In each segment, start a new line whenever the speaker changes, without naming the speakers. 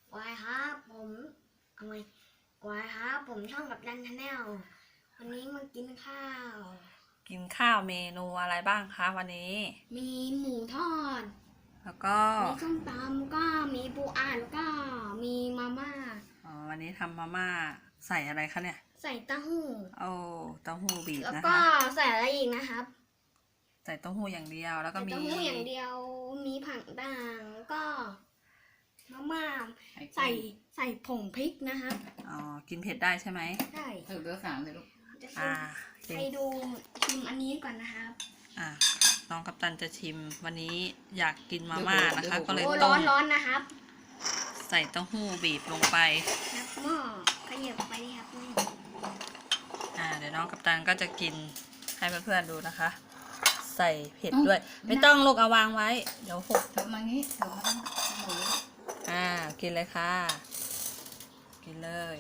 กวายครับผมเอาไงกวายครับผมช่องกับดันชาแนลวันนี้มากินข้าว
กินข้าวเมนูอะไรบ้างคะวันนี้
มีหมูทอด
แล้วก็
มีส้มตำก็มีปูอัดแล้วก็มีมาม่า
วันนี้ทำมาม่าใส่อะไรคะเนี่ย
ใส่เต้าหู้
โอ้เต้าหู้บีบ
แล้ว
นะ
ก็
คะ
ใส่อะไรอีกนะครับ
ใส่เต้าหู้อย่างเดียวแล้วก็
ใส่
มี
เต้าหู้อย่างเดียวมีผักด่างแล้วก็มาม่าใส่ผงพริกนะครับ
อ๋อกินเผ็ดได้ใช่ไหม
ใช่
เบอร์สามเลยลูก
จะ
กิน
ไปดูชิมอันนี้ก่อนนะครับ
น้องกัปตันจะชิมวันนี้อยากกินมาม่านะคะ ก็เลย
โอ้
ต้
ร้อ
ม
นนะครับ
ใส่เต้าหู้บีบลงไป
ครับหม้อขยับไปนี่ครับนี่
เดี๋ยวน้องกัปตันก็จะกินให้เพื่อนๆดูนะคะ ใส่เผ็ดด้วย ไม่ต้องลูกเอาวางไว้เดี๋ยวหก
เถอะมางี้เถอะมาหมู
กินเลยค่ะ กินเลย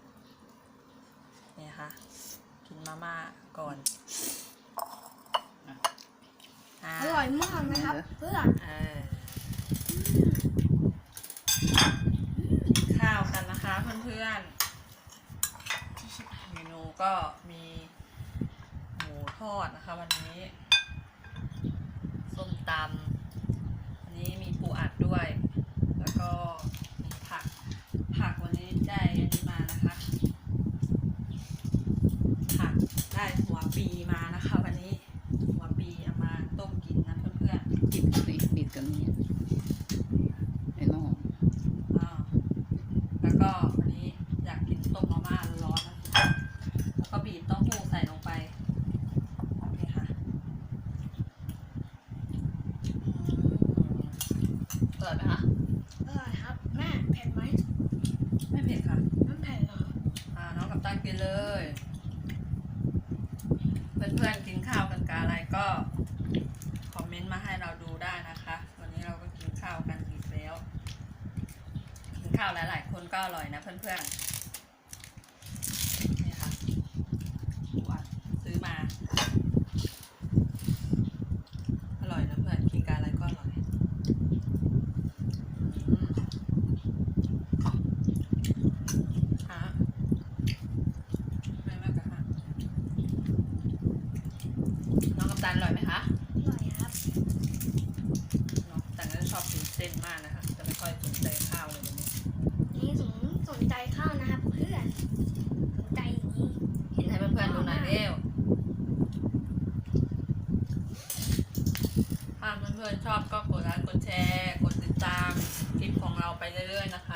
นี่ค่ะ กินมาม่าก่อน
อร่อยมากนะครับเพื่อน
ข้าวกันนะคะเพื่อนๆเมนูก็มีหมูทอดนะคะวันนี้ส้มตำวันนี้มีปูอัดด้วย แล้วก็มีผักวันนี้ได้อันนี้มานะคะผักได้หัวปีมานะคะวันนี้หัวปีเอามาต้มกินนะเพื่อนๆ
บิดสิบิดกันนี่ไอ้หม้อ
แล้วก็วันนี้อยากกินต้มมาม่าร้อนๆนะแล้วก็บีบเต้าหู้ใส่ลงไปนี่ค่ะเปิดไหมคะ
อร่อยครับแม่เผ็ดไหม
ไม่เผ็ดค่ะ
ไม่เผ็ดหรอ
น้องกับตันกินเลย เพื่อนๆกินข้าวกันกับอะไรก็คอมเมนต์มาให้เราดูได้นะคะ วันนี้เราก็กินข้าวกันอีกแล้วกินข้าวหลายๆคนก็อร่อยนะเพื่อนๆนี่ค่ะปูอัดซื้อมาอร่อยนะเพื่อนกินกับอะไรก็อร่อยไม่มากกะฮะน้องกัปตันอร่อยไหมคะ
อร่อยครับ
น้องกัปตันก็ชอบกินเส้นมากนะคะจะไม่ค่อยสนใจข้าวเลยวันนี้
นี่สนใจข้าวนะครับเพื่อนสนใจอย่างนี้
กินให้เพื่อนๆดูหน่อยเร็วถ้าเพื่อนๆชอบก็กดไลค์กดแชร์กดติดตามคลิปของเราไปเรื่อยๆนะคะ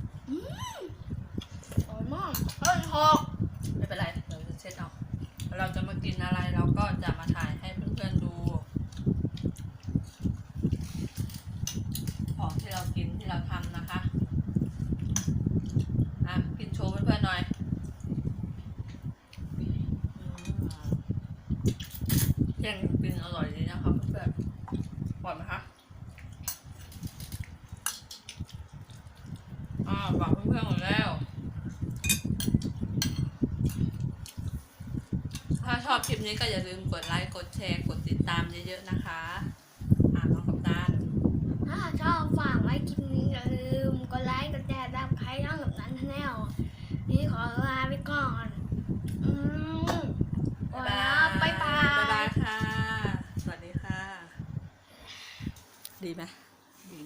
อร่อยมากเฮ้ยหก
ไม่เป็นไรเดี๋ยวจะเช็ดเอาเราจะมากินอะไรเราก็จะมาถ่ายให้เพื่อนๆดูของที่เรากินที่เราทำนะคะกินโชว์เพื่อนๆหน่อยแย่งกินอร่อยดีนะคะเพื่อนๆปล่อยไหมคะบอกเพื่อนๆหมดแล้วถ้าชอบคลิปนี้ก็อย่าลืมกดไลค์กดแชร์กดติดตามเยอะๆนะคะน้องกัปตัน
ถ้าชอบฝาก